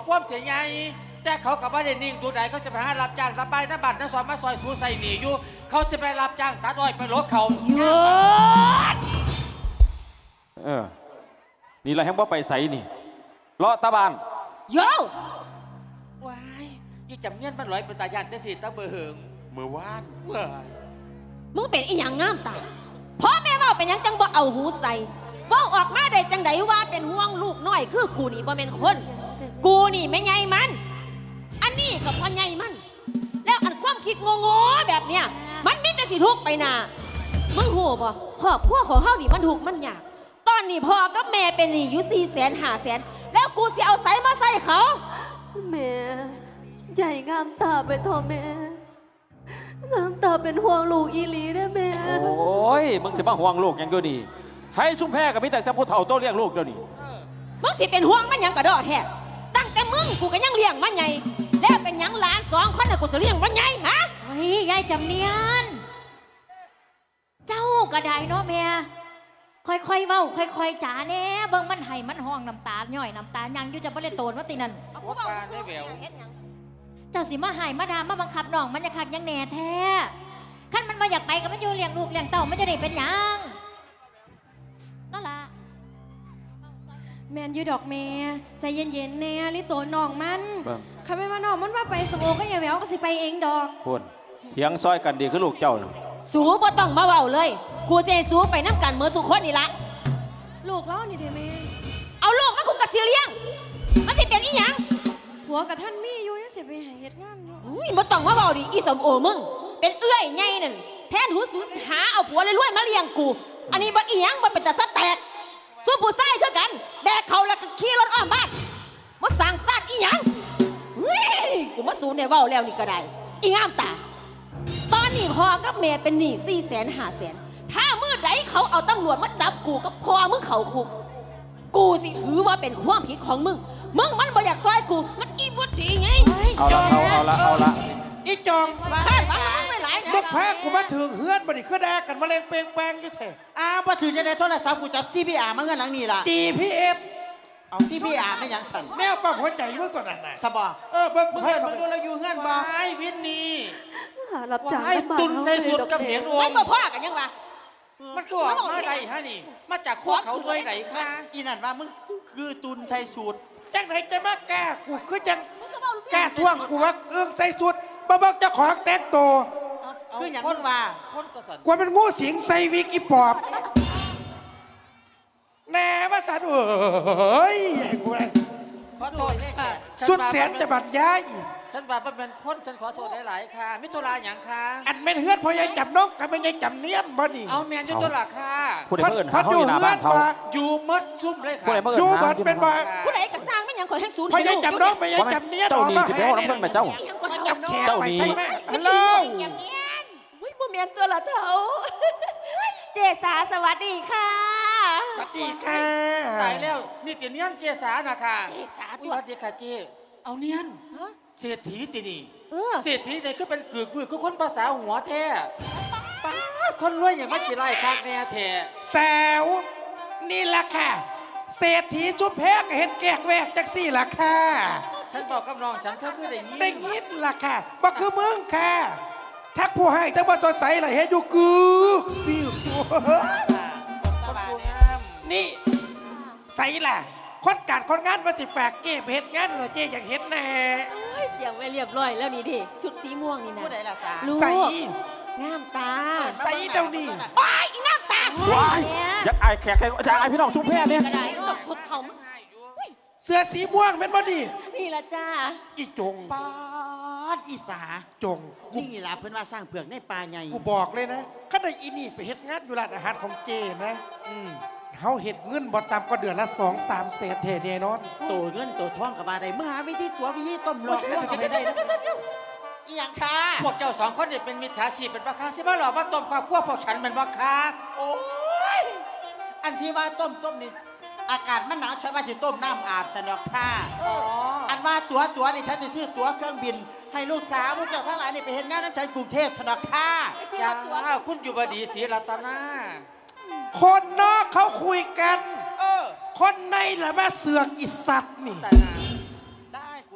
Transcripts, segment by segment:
ความเสียใหญ่แต่เขากับว่าเดนิ่งดูไหนเขาจะไปหารับจ้างรับใบน้ำบัตรน้ำซอยมาซอยสูใส่หนีอยู่เขาจะไปรับจ้างตัดอ้อยไปลดเขาหยุดนี่เราแห้งบ่ไปใส่นี่เลาะตาบานโย่ว้ายยี่จำเงี้ยนมันลอยเป็นตายันได้สิตาเบอร์เหิงเมื่อวานมึงเป็นอีหยังงามตาพ่อแม่ว่าเป็นยังจังบ่เอาหูใส่ว่าออกมาได้จังไดว่าเป็นห่วงลูกน้อยคือกูนี่บ่เป็นคนกูนี่ไม่ใหญ่มันอันนี้กับพ่อใหญ่มันแล้วอันความคิดงงๆแบบเนี้ยมันมิแต่สิทุกไปนามึงหูบ่ครอบครัวของเฮานี่มันทุกมันยากตอนนี้พ่อกับแม่เป็นหนี้อยู่400,000-500,000แล้วกูสิเอาใส่มาใส่เขาแม่ใหญ่งามตาไปเถอะแม่งามตาเป็นห่วงลูกอีหลีได้แม่โอ้ยมึงสิมาห่วงลูกยังเดียวนี่ให้ชุ่มแพ้กับพี่แต่จะพูดเถ่าโตเลี้ยงลูกเดียวนี่มึงสิเป็นห่วงมันยังกระดอแท้ตั้งแต่มึงกูก็ยังเลี้ยงมันไงแล้วเป็นยังหลาน2 คนน่ะกูจะเลี้ยงมันไงฮะเฮ้ยยายจำเนียนเจ้าก็ได้เนาะแม่ค่อยๆเว้าค่อยๆจ๋าแน่เบิ่งมันให้มันห้องน้ำตาย่อยน้ำตายังอยู่จะบ่ได้โตนว่าตินั่นว่าปลาได้แหววเจ้าสิมาให้มาดามมาบังคับน้องมันจะคักยังแน่แท้ขั้นมันมาอยากไปก็มันอยู่เลี้ยงลูกเลี้ยงเต้ามันจะได้เป็นยังนั่นล่ะแมนยูดอกแม่ใจเย็นๆแน่ลิโตน้องมันคำไม่มาน้องมันว่าไปสมโอก็อย่าแหววก็สิไปเองดอกพูดเถียงซอยกันดีคือลูกเจ้าสูบ่ต้องมาเว้าเลยกูเซสูไปน้ำกันเมื่อสุขคนนี่ละลูกเล่านี่เถอะแม่เอาลูกมันกูกะสิเลี้ยงมันสิเป็นอีหยังผัวกับท่านมีอยู่ยังสิไปหาเฮ็ดงานบ่ต้องมาเว้าดิอีสมโอมึงเป็นเอื้อยใหญ่นั่นแทนหูสูหาเอาผัวรวยๆมาเลี้ยงกูอันนี้บ่อีหยังบ่เป็นตาสะแตกสู้ผู้ชายเท่ากันแดกเขาแล้วก็ขี่รถอ้อมบ้านมาสั่งซาดอีหยังกูมาสูนในเว้าแล้วนี่ก็ได้อีงามตาตอนนี้พ่อกับแม่เป็นหนี้400,000-500,000ถ้าเมื่อใดเขาเอาตำรวจมาจับกูกับพ่อมึงเขาคุกกูสิถือว่าเป็นความผิดของมึงมันบ่อยากซอยกูมันอีบ่ดีไงเอาละอีจองข้าบ้านไม่หลายนะลูกแพ้กูมาถึงเฮือนบ่ได้คือแดกกันมาเลงเปงแปงอยู่แท้มาถึงจะได้โทรศัพท์กูจับ CPR มาเงินหลังนี่ล่ะ GPS เอา CPR ไม่ยังสั่นแมวปั๊มหัวใจเมื่อก่อนน่ะสบอเบิ่งเงินดูเราอยู่เงินบ่ไอ้วินนี่รับจ้างตุนใส่สุดกับเห็นวงมันบ่พ่อกันยังวะมันก็ออกมาได้ฮะนี่มาจากโคเขาด้วยไหนคะอีนั่นว่ามึงคือตุนใส่สูตรจังไหนจะมาแก้กูคือจังแก้ท่วงกูว่าใส่สุดบ่เบิ่งเจ้าของแต่งตัวคืออย่างมึงว่ากูเป็นงูสิงใส่วิกอีปอบแน่ว่าสันเอ้ยกูเลยขอโทษสุดแสนจะบัดย้ายฉันว่าเป็นคนฉันขอโทษหลายๆค่ะมิตรลาอย่างค่ะอันเป็นเฮือนพอยายจับนกกับเป็นยายจับเนียนบ่นี่เอาแมนยุตัวหลักค่ะผู้ใดเพิ่นเขาอยู่หน้าบ้านเขาอยู่มัดชุ่มเลยค่ะอยู่บัดเป็นบ่ผู้ใดกระสร้างไม่ยังขอให้ศูนย์พอยายจับนกไปยายจับเนียนเจ้านี่สิไปเอาน้ำเพิ่นมาเจ้าเจ้านี่ฮัลโหลบ่แม่นตัวละเฒ่าเจสาสวัสดีค่ะสวัสดีค่ะสายแล้วนี่เตียนเนียนเจสานะค่ะเจสาสวัสดีค่ะเจเอาเนียนเศรษฐีตีนี่เศรษฐีเนี่ยก็เป็นกึกบือก็คนภาษาหัวแท้ป้าคนรวยอย่างไม่กี่ไร่คักแน่แท้แซวนี่ล่ะค่ะเศรษฐีชุบแพกเห็นแกกแวกจักซี่ล่ะค่ะฉันบอกกับน้องฉันเธอคือได้ยินล่ะค่ะบ่คือมึงค่ะทักผู้ให้ทั้งบ่สดใสล่ะเฮ็ดอยู่กึกปิ้วนี่ใส่ล่ะคนงานมาสิแฝกเก็บเห็ดงานเหรอเจ๊อยากเห็ดแน่เตรียมไว้เรียบร้อยแล้วนี่ดิชุดสีม่วงนี่นะผู้ใดล่ะสาใส่งามตาใส่เดี๋ยวนี้ว้ายงามตาว้ายอยากอายแขกอยากอายพี่น้องชุ่มแพ้เนี่ยคนเขาเสื้อสีม่วงเป็นบ่ดีนี่ละจ้าอีจงป้าอีสาจงนี่ล่ะเพิ่นว่าสร้างเผือกในป่าใหญ่กูบอกเลยนะข้าได้อีนี่ไปเฮ็ดงานอยู่ร้านอาหารของเจนะเขาเห็ดเงินบ่ต่ำกว่าเดือนละ2-3 แสนเทแน่นอนโตเงินโตทองกับมาได้เมื่อหาวิธีตัววิธีต้มหลอกก็ไม่ได้อีหยังค่ะพวกเจ้า2 คนเนี่ยเป็นมิจฉาชีพเป็นบ้าค้าสิมาหลอกว่าต้มความพวกฉันเป็นบ้าค้าโอ้ยอันที่ว่าต้มนี่อากาศมันหนาวฉันว่าสิต้มน้ำอาบสนอกค่ะอันว่าตัวนี่ฉันจะซื้อตั๋วเครื่องบินให้ลูกสาวพวกเจ้าทั้งหลายนี่ไปเห็นงานน้ำฉันกรุงเทพสนอกค่ะจ้าคุณอยู่บดีศรีรัตนาคนนอกเขาคุยกันคนในแหละมาเสือกอิสัตนี่ได้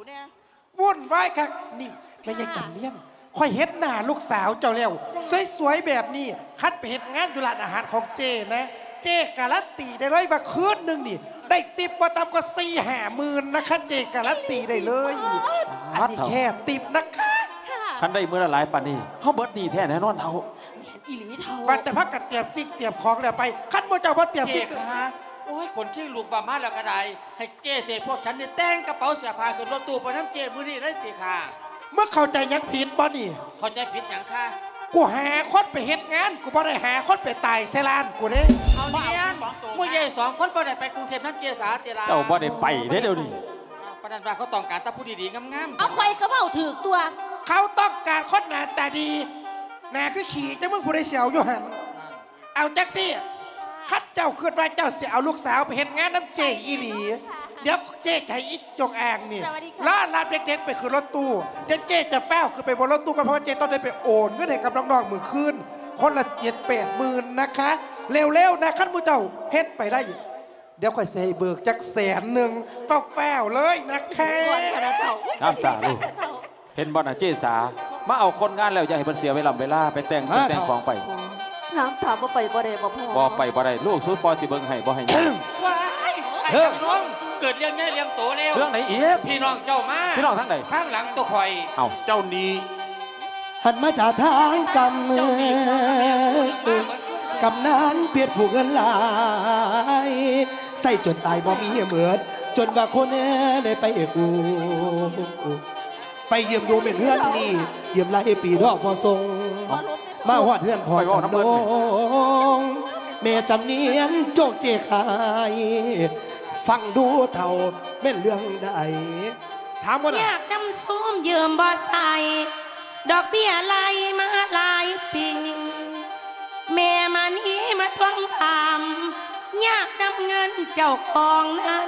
วุ่นวายครับนี่แม่ยังจำเนียนค่อยเฮ็ดหน้าลูกสาวเจ้าแล้วสวยๆแบบนี้คัดไปเฮ็ดงานอยู่ร้านอาหารของเจนะเจการันตีได้เลยว่าคืนหนึงนี่ได้ติปบ่ต่ำกว่า4-5 หมื่นนะคะเจการันตีได้เลยอันนี้แค่ติปนะคะคันได้มื้อละหลายปานนี้เฮาเบิดหนี้แท้แน่นอนเฒ่าอีหลีเท่าวันแต่พักกัดเตรียมซิกเตรียมของแล้วไปคันบ่เจ้าบ่เตรียมเจซิกคะโอ้ยคนที่ลูกว่ามาแล้วก็ได้ให้เจเสพวกฉันนี่แต่งกระเป๋าเสื้อผ้าขึ้นรถตู้ไปน้ำเจมื้อนี้เลยติค่ะเมื่อเข้าใจยังผิดบ่นี่เข้าใจผิดหยังค่ะกูหาคนไปเฮ็ดงานกูบ่ได้หาคนไปตายใส่ลานกูเด้เอาเนียนเมื่อใหญ่2 คนบ่ได้ไปกรุงเทพน้ำเจสาติลาเจ้าบ่ได้ไปเด้เดี๋ยวนี้ประดันว่าเขาต้องการแตาผู้ดีๆงามๆเอาใครก็เบ้าถือตัวเขาต้องการคนหน้าตาดีหน้าคือขี่จังมึงผู้ใดเสียวอยู่หั่นเอาจักซี่คัดเจ้าคิดว่าเจ้าสิเอาลูกสาวไปเฮ็ดงานน้ำเจอีหลีเดี๋ยวเจ๊ให้อีจงอ่างนี่ล่าลาดเด็กๆไปขึ้นรถตู้เดี๋ยวเจ๊จะแฟ้วขึ้นไปบนรถตู้กันเพราะว่าเจ๊ต้องได้ไปโอนเงินให้กับน้องๆมือคืนคนละ7-8 หมื่นนะคะเร็วๆนะขั้นมูเจ้าเฮ็ดไปได้ เดี๋ยวค่อยเซเบิกจัก100,000แฟ้วๆเลยนะคะน้ำตาลูกเห็นบ่น่ะเจสามาเอาคนงานแล้วอย่าให้เพิ่นเสียเวลาไปแต่งชุดแต่งของไปน้ำตาบ่ไปบ่ได้บ่พ่อบ่ไปบ่ได้ลูกสุดพอสิเบิ่งให้บ่ให้หยังว้ายไอ้พี่น้องเกิดเรื่องใหญ่เรื่องโตแล้วเรื่องไหนอีกพี่น้องเจ้ามาพี่น้องทั้งใดข้างหลังตัวคอยเอ้าเจ้านี้หันมาจากทางกำเนิเจ้านี่มาดกำนานเปียดผู้เงินหลายใส่จนตายบ่มีเหมือนจนว่าคนได้ไปกูไปเยี่ยมดูเป็นเพื่อนนี่เยี่ยมหลายปีดอกพอทรงมาหอดเพื่อนพอจำนงแม่จำเนียนโจกเจขายฟังดูเท่าแม่นเรื่องใดถามว่าอน่ะยากนำส้มยืมบ่ใส่ดอกเบี้ยไหลมาหลายปี แม่มานี้มาทวงถามอยากนำเงินเจ้าของนั้น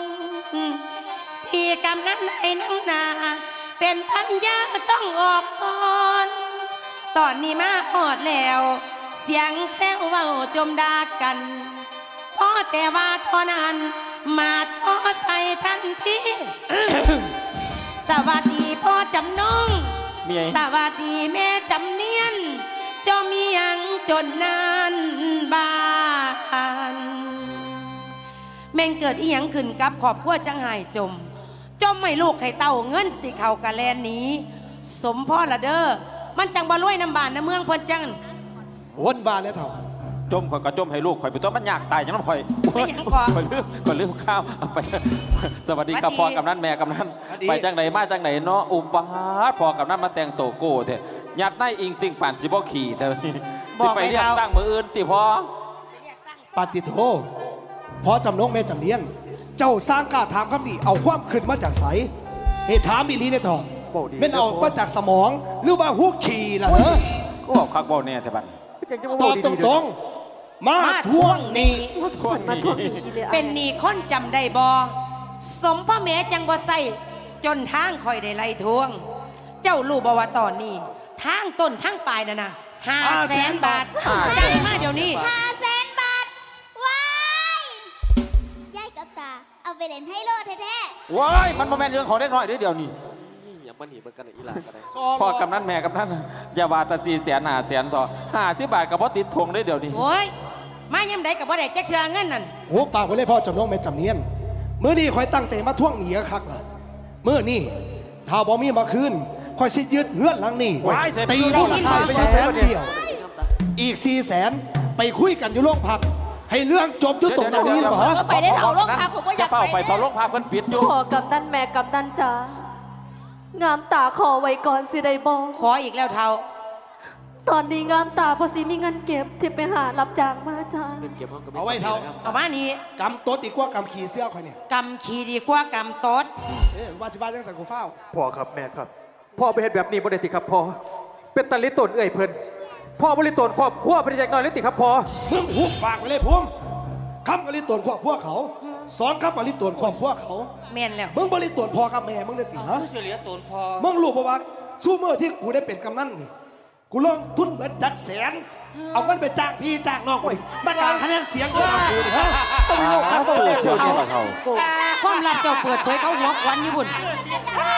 พี่กำนั้นให้นังนาเป็นพันยาต้องออกก่อน ตอนนี้มาหอดแล้ว เสียงแซวเว้าจมด่ากันพอแต่ว่าเท่านั้นมาทอใส่ทันที สวัสดีพ่อจำนงมีไงสวัสดีแม่จำเนียนเจ้ามียังจนนานบ้านแม่งเกิดอีหยังขึ้นกับครอบครัวจังหายจมให้ลูกให้เต้าเงินสิเขากะแลนนี้ สมพ่อละเด้อมันจังบ่รวยน้ำบานน้ำเมืองเพิ่นจังวนบานแล้วเท่าจมข่อยก็จมให้ลูกข่อยไปตัวมันยากตายจังน้ำข่อยไม่หยังก่อนข่อยลืมข้าวเอาไปสวัสดีครับสวัสดีพ่อกำนันแม่กำนันสวัสดีไปจังไหนมาจังไหนเนาะอุบาทพ่อกำนันมาแต่งโตโก้เถอะยัดในอิงติงป่านสิบ่ขี่เถอะสิไปเรียกตั้งมืออื่นติพ่อปาติโทพอจำนงแม่จำเนียน เจ้าสร้างกล้าถามคำนี้เอาความขึ้นมาจากไสเหตุถามอีหลีเนี่ยทอะแม่นเอามาจากสมองหรือว่าหูขี่ล่ะเหรอก็บอกคักบอกแน่แต่บัดตอบตรงๆมาทวงหนี้มาทวงหนี้อีเลยเป็นหนี้คนจำได้บ่สมพ่อแม่จังบ่ใส่จนทางคอยได้ไล่ทวง เจ้ารู้บ่ว่าตอนนี้ทางต้นทางปลายน่ะนะ500,000 บาทจ่ายมาเดี๋ยวนี้ 500,000 บาท ว้ายยายกับตา เอาไปเล่นให้โลดแท้ว้ายมันโมเมนต์เรื่องของเล็กน้อยเดี๋ยวนี้อย่ามาหนีมันกันอีหลากันเลยพ่อกำนันแม่กำนันอย่าว่าแต่400,000 ต่อ50 บาทกับพ่อติดทวงได้เดี๋ยวนี้โอ้ยมาย่ำใดกับบ่ได้แจ็คเทือเงินนั่นโอ้ปากไว้เลยพ่อจำนงแม่จำเนียนมื้อนี้คอยตั้งใจมาทวงหนี้คักล่ะมื้อนี้ถ้าบ่มีมาคืนคอยสิยึดเฮือนหลังนี้ว้ายเสร็จตีมูลค่า100,000 เดียว อีก400,000ไปคุยกันอยู่โรงพัก ให้เรื่องจบอยู่ตรงนี้หรอไปได้เถาโรงพักผมก็อยากเฝ้าไปไปเฝ้าโรงพักเพิ่นปิดอยู่พ่อกำนันแม่กำนันจ้างามตาขอไว้ก่อนสิได้บ่ขออีกแล้วเท่าตอนนี้งามตาพอสิมีเงินเก็บที่ไปหารับจ้างมาจ้าเก็บห้องก็ไม่เอาไว้เท่าเอามานี่กำตดดีกว่ากำขี่เสื้อคอยเนี่ยกำขี่ดีกว่ากำตดว่าสิบ้าจังสังกูเฝ้าพ่อครับแม่ครับพ่อไปเห็นแบบนี้บ่ได้ติครับพ่อเป็นตาลิตนเอ่ยเพิ่นพ่อบริตนครอบครัวเป็นจากน้อยลิติครับพ่อมึงหุบปากไปเลยพุ่มคำกะลิตวนขวบพวกเขาสอนคำกะลิตวนขวบพวกเขาแม่นแล้วมึงบริตวนพอกับแม่มึงได้ตีฮะผู้เสียเหลือตนพอมึงรู้ปะวะสู้เมื่อที่กูได้เป็นกำนันนี่กูลงทุนเบิดจัก100,000เอาเงินไปจ้างพี่จ้างน้องกูดิมาการคะแนนเสียงกูเอากูดิฮะเชื่อเนี่ยเขาความลับเจ้าเปิดเผยเขาหัวควันอยู่บุญ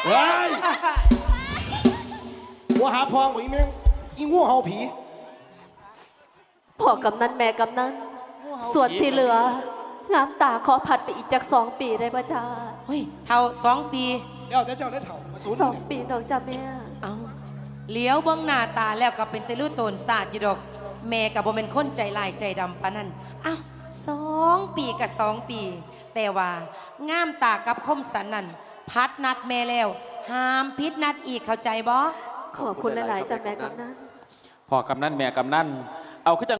เฮ้ยหัวหาพองบ่อีแม่งอีงูเห่าผีพ่อกำนันแม่กำนันส่วนที่เหลืองามตาขอผัดไปอีกจาก2 ปีได้ป่ะจ้าเฮ้ยเท่า2 ปีเดี๋ยวเจ้าได้เถ่ามาศูนย์ 2 ปีดอกจ้าแม่เอาเลี้ยวเบื้องหน้าตาแล้วก็เป็นตะลุโตนศาสตร์อยู่ดอก แม่กับบ่เป็นคนใจลายใจดำปานนั้นอ้าว2 ปีกับ2 ปี แต่ว่างามตากับคมสันนั่นพัดนัดแม่แล้วห้ามพิษนัดอีกเข้าใจบ่ขอบคุณหลายๆจ้าแม่กำนันพ่อกำนันแม่กำนันเอาขึ้น